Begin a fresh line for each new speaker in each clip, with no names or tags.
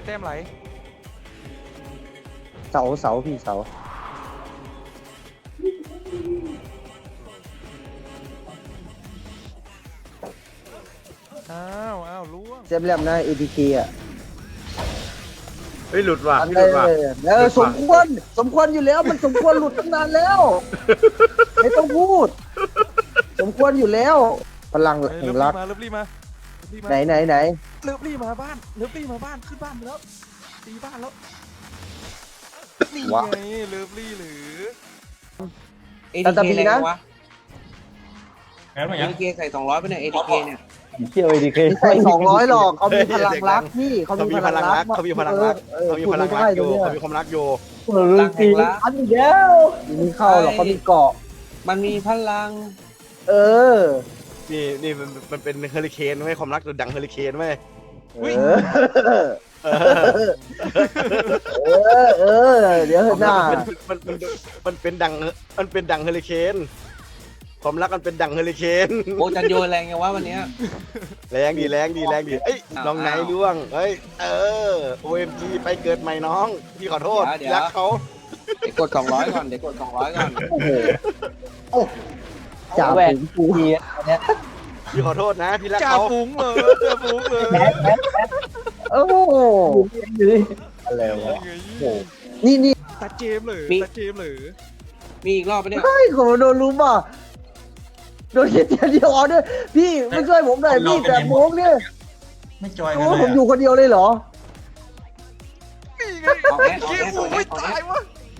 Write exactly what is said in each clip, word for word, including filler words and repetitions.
แต้มไหล
เสาเสาพี่เสา
อ้าวอ้าวล่วง
เซฟแลมนะเอทีเคอ่ะ
เฮ้ยหลุดว่ะ
อัน
พี่ห
นี้
ลุดว่ะ
เออสมควรสมควรอยู่แล้วมันสมควรหลุดตั้งนานแล้วไม่ต้องพูด สมควรอยู่แล้ว พลัง
เฮ้ย
แห่
เลิ
ง
ฟ
รั
ลี่
ก
มาเลิฟลี่มาเลิฟลี่มา
ไหนไหนไหน
เลิฟลี่มาบ้านเลิฟลี่มาบ้านขึ้นบ้านไปแล้วตีบ้านแล้วนี่
วะ
ไงเลิฟลี่หรือ
เอทีเคแรงวะ
งั้นมา
เอ
ยัง
ทีเคใส่สองร้อยไปเนี่ยเอทีเคเนี่ย
เที่ยวเอดีเค
ใส่สองร้อยหรอกเขามีพลังรักพี่เขา
เขา
มี
มี
พ
พ
ลั
ลั
ง
ง
รั
รั
ก
กเขามีพลังรักเขามีพลังรักอยู่เขามีความรักอยู่
รักแห่งรัก
อันเดียว
มีเข้าหรอกเขามีเกาะ
มันมีพลัง
เออ
นี่นี่มันมันเป็นเฮอริเคนเว้ยความรักตัวดังเฮอริเคนเว้ย
เออเออเออเดี๋ยวเถอะหน้า
มันมันมันเป็นดังมันเป็นดังเฮอริเคนความรักมันเป็นดังเฮอริเคน
โอ้จันโยแรงไงวะวันเนี้ย
แรงดีแรงดีแรงดีเอ้ย
อ้าว
น้องไหน
อ้าว
ล่วงเฮ้ยเออ โอ เอ็ม จี ไปเกิดใหม่น้องพี่ขอโทษ
เดี๋ยว
รักเขา
เดี๋ยวกดสองร้อยก่อนเดี๋ยวกดสองร้อยก่อน
โอ้โหจ่า
แหว
ฝู
น
งฟู
ทีอันเนี้ย
พี่ขอโทษนะพี่รัก
จ่า
เขา
ฝูงเลยจ่าฝูงเลย
แพ้แพ้แพ้
โอ้โห
อยู่ดิอะไรวะ
ไง
โอ้
นี่นี่
ตาเจมส์เลยตาเจมส์เลย
มีอีกรอบปะเนี่ย
เฮ้ยผมโดนรู้ป่ะโดนเดียวเดียวอ๋อด้วยพี่ไม่ช่วยผมหน่อยพี่แต่โมงเนี่ย
ไม่จอยกัน
โอ้
เลย
ผมอยู่คนเดียวเลยเหรอ
นี่ไง
ออกแอดออก
เคีย
แอด
ฝู
ออง กแอ
ไม่
ดออกแอ
ตาย
ด
วะ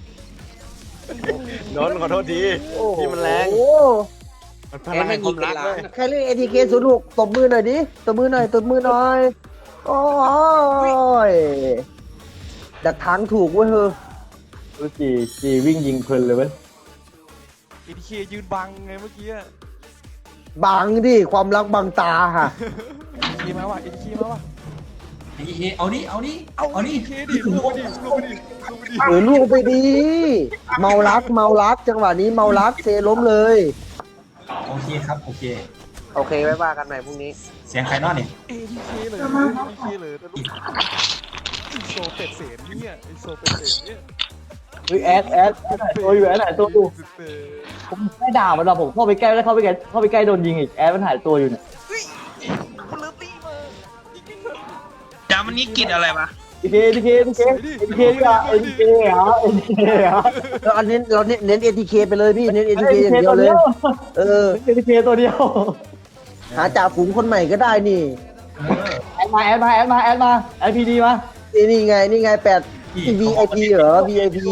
นนท์ขอโทษที
โอ้โห
พี่มันแรง
โอ้
มันพลังแห่งความรักเว้ย
ใครเล่นเอทีเคศูนย์หกตบมือหน่อยดิตบมือหน่อยตบมือหน่อยโอ้ยดักทางถูกเว้ยเฮ้ย
รู้จีจีวิ่งยิงเพลินเลยเว้ย
เอทีเคยืนบังไงเมื่อกี้
บังดิความรักบังตาฮะ
เอทีเคมาว่ะเอทีเคมาว่ะ
เฮ้เอาดิเอาดิ
เอา
เอาดิ
เอทีเคดิลูกไปดิลูกไปดิลูกไปดิ
เออลูกไปดี เมารักเมารักจังหวะนี้เมารักเซล้มเลย
โอเคครับโอเค
โอเคไว้ว่ากันใหม่พรุ่งนี้
เสียงใครนอนเนี่ย
เอทีเคเลยเอทีเคเลยแต่ลูกไอโซเป็ดเสนเนี่ยไอโซเป็ดเสนเนี่ย
เฮ้ยแอดแอดแอดหายตัวอยู่แอดหายตัวอยู่ผมไม่ด่ามันหรอกผมเข้าไปใกล้แล้วเข้าไปใกล้เข้าไปใกล้โดนยิงอีกแอดมันหายตัวอยู่เนี่ย
เฮ้ยมันเลิฟตี้มาจริงๆเถอะ
จามันนี้กินอะไรวะ
ดีเคดีเคดีเคดีเคดีกว่าเอ็นเคเหรอเอ็นเคเหรอ
เราอันนี้เราเน้นเน้นเอทีเคไปเลยพี่เน้นเอทีเคอย่างเดียวเลย เออ
เอ็นเคตัวเดียว
หาจ่าฝูงคนใหม่ก็ได้นี่
แอดมาแอดมาแอดมาแอดมาแอดพีดีมา
นี่นี่ไงนี่ไงแปด วี ไอ พี เหรอ วี ไอ พี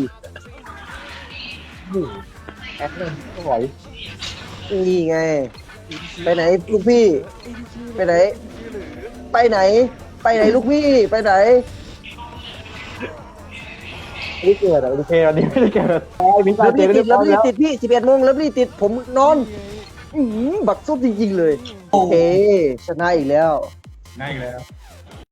แอดเลยก็ไหว
นี่ไง ไปไหนลูกพี่ ไปไหน ไปไหน ไปไหนลูกพี่ ไปไหน
ไม่ได้เกิดอ่ะโอเควันนี้ไม่ได้เกิดไอ้มิส
เลิฟ
เจ
ลี่
ไม่
ติ
ได้
ด
พ
เลิ
ร้อ
ฟ
ม
ลี่
แล้ว
ติดพี่สิบเอ็ดโมงเลิฟลี่ติดผมนอนอื้อหือบักซุบจริงๆเลย โอเค ชนะอีกแล้ว
ง่ายแล้ว